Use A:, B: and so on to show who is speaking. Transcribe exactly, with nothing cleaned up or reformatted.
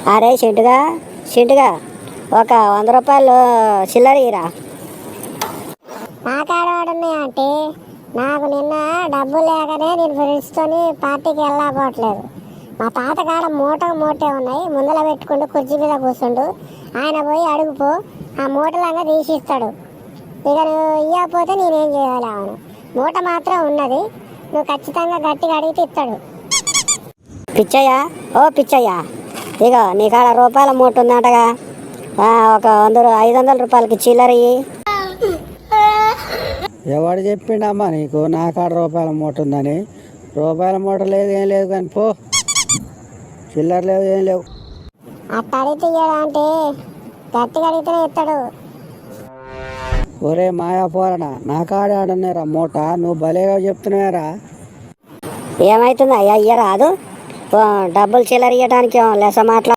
A: అరే చింటుగా చింటుగా ఒక వంద రూపాయలు చిల్లర ఇరా.
B: నా కాడ వాడున్నాయి అంటే నాకు నిన్న డబ్బులు లేకనే నేను ఫ్రెండ్స్తో పార్టీకి వెళ్ళకపోవట్లేదు. మా తాత కాడ మూట మూటే ఉన్నాయి, ముందర పెట్టుకుంటూ కుర్చీ మీద కూర్చుండు. ఆయన పోయి అడుగుపో, ఆ మూటలంగా తీసిస్తాడు. ఇక నువ్వు ఇవ్వకపోతే నేనేం చేయాలి? అవును, మూట మాత్రం ఉన్నది, నువ్వు ఖచ్చితంగా గట్టిగా అడిగితే ఇస్తాడు.
A: పిచ్చయ్యా, ఓ పిచ్చయ్యా, ఇక నీ కాడ రూపాయల మూట ఉందంటగా, ఒక వంద ఐదు వందల రూపాయలకి చిల్లర ఇయ్యి.
C: ఎవడు చెప్పిండమ్మా నీకు నా కాడ రూపాయల మూట ఉందని? రూపాయల మూట లేదు, ఏం లేదు, కానీ పో, చిల్లర లేవు, ఏం లేవు.
B: అట్ట అడిగితే అంటే గట్టిగా అడిగితేనే ఇస్తాడు.
C: ఒరే మాయా పోరణ, నా కాడ ఆడున్నారా మూట, నువ్వు భలేగా చెప్తున్నారా?
A: ఏమవుతుంది అయ్యా, ఇయ్య రాదు, డబ్బులు చిల్లర ఇవ్వడానికి లెస మాట్లా